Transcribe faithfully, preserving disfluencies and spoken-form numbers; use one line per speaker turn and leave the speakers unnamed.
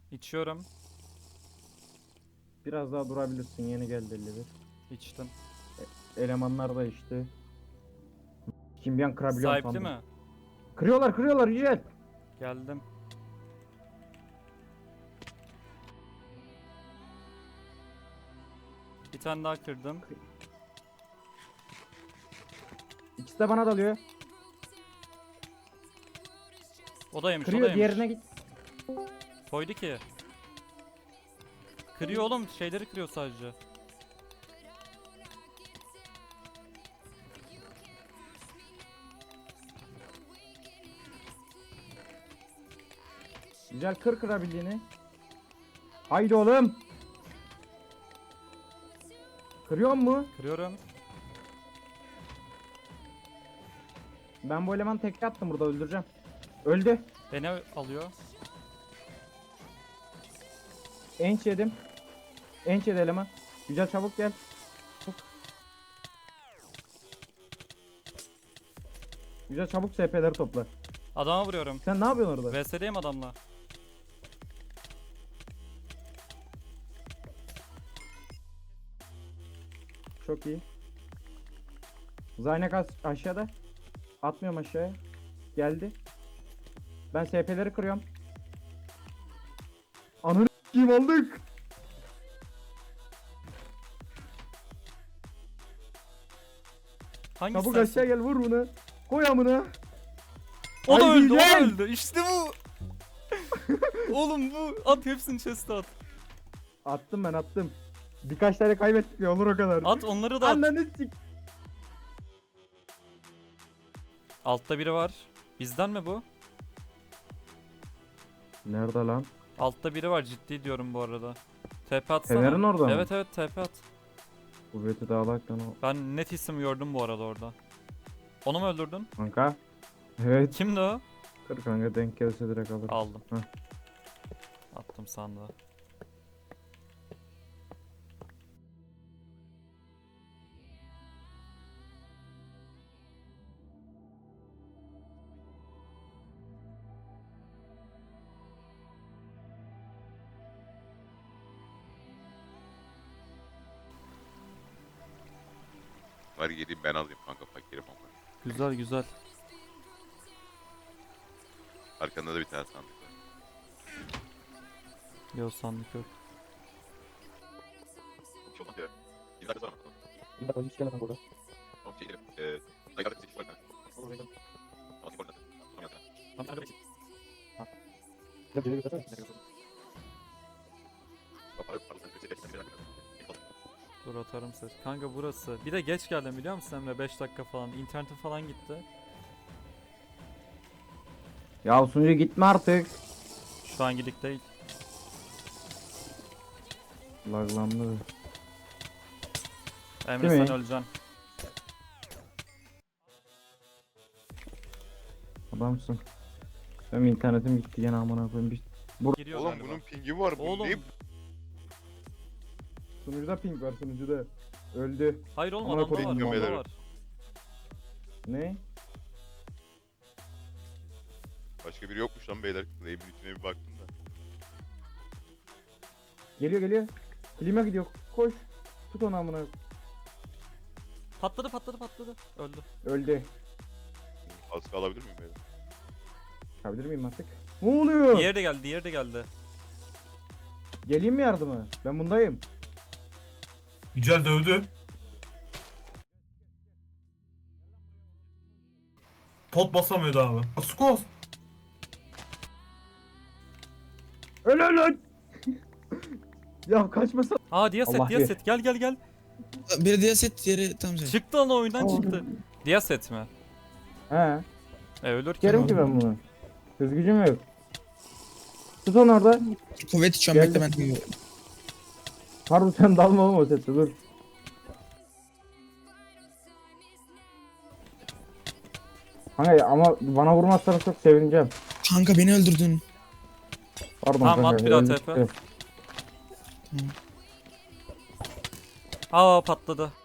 İçiyorum.
Biraz daha durabilirsin. Yeni geldi elli bir.
İçtim.
Elemanlar da işte. Kim bir an kırabiliyor
Sahipli
sandım.
mi?
Kırıyorlar kırıyorlar Yücel.
Geldim. Bir tane daha kırdım.
İkisi de bana dalıyor.
O da yemiş, o da
Kırıyor
yemiş.
diğerine git.
Koydu ki. Kırıyor oğlum, şeyleri kırıyor sadece.
Güzel kır kırabildiğini. Haydi oğlum. Kırıyor mu?
Kırıyorum.
Ben bu elemanı tekte attım burada öldüreceğim. Öldü.
Beni alıyor.
Enç yedim. Enç yedi eleman. Güzel çabuk gel. Çabuk. Güzel çabuk S P'leri topla.
Adama vuruyorum.
Sen ne yapıyorsun orada?
V S'deyim adamla.
Çok iyi. Zaynek az- aşağıda. Atmıyorum aşağıya. Geldi. Ben S P'leri kırıyorum. Ananı kim aldık?
Hangisi
Çabuk
sensin?
aşağı gel vur bunu. Koy amına.
O da
Haydi
öldü, o da
gel.
öldü. İşte bu. Oğlum bu. At hepsini chest'e at.
Attım ben attım. Birkaç tane kaybettik ya olur o kadar.
At onları da at.
Ananı sik.
Altta biri var. Bizden mi bu?
Nerede lan?
Altta biri var, ciddi diyorum bu arada. T P atsana.
Fener'in orada mı?
Evet evet, T P at.
Kuvveti dağılaktan o.
Ben net isim gördüm bu arada orada. Onu mu öldürdün?
Kanka. Evet.
Kimdi o?
Kır kanka denk gelse direkt alırım.
Aldım.
Heh.
Attım sandığa.
Var geleyim ben alayım kanka fakirim ama.
Güzel güzel.
Arkanda da bir tane sandık var.
Yok, sandık yok.
Çok olmaz ya. Bir dakika sonra bakalım.
Bir dakika hiç gelemem burada.
Tamam şey derim. Eee... Dayılarda seçiş var kanka. Tamam şey koordinatı. Tamam yazdı.
Gel geri götürsene.
Pardon pardon sen seçeceksin. Bir dakika.
Dur atarım ses. Kanka burası. Bir de geç geldim biliyor musun Emre? beş dakika falan. İnternetim falan gitti.
Ya sunucu gitme artık.
Şu an gidik değil.
Laglandı.
Emre
Değil
sen
mi?
öleceksin.
Adamsın. Benim internetim gitti gene amına koyayım. Bir...
Giriyor
Oğlum
galiba.
bunun pingi var. Bu
Oğlum.
ne?
Sunucuda ping var sunucuda. Öldü.
Hayır oğlum,
Amına
adamda var.
koyayım,
Adamda
beyler.
var.
Ne?
Başka biri yokmuş lan beyler. Claim'in içine bir baktım da.
Geliyor geliyor. Klima gidiyor. Koş. Tut onu amına.
Patladı patladı patladı. Öldü.
Öldü.
Kaskı alabilir miyim beyler?
Çıkabilir miyim artık? Ne oluyor?
Diğeri de geldi, diğeri de geldi.
Geleyim mi yardıma? Ben bundayım.
Yücel dövdü. Pot basamıyordu abi. Skos.
Öl öl öl. Ya kaçmasa.
Aa Diyaset,
Allah
Diyaset gel gel gel.
Biri diğer set, diğeri tam set.
Çıktı lan oyundan
Aa.
çıktı. Diyaset mi?
He.
E ölür ki.
Sikerim ki ben bunu. Hız gücüm yok. Tut onu orada.
Kuvvet şu an
Geldim.
bekle ben.
Harun sen dalma oğlum o sette dur. Kanka ama bana vurmazsanız çok sevineceğim.
Kanka beni öldürdün.
Pardon
Tamam,
kanka.
at bir daha
öldü
T P.
çıktı.
Aa patladı.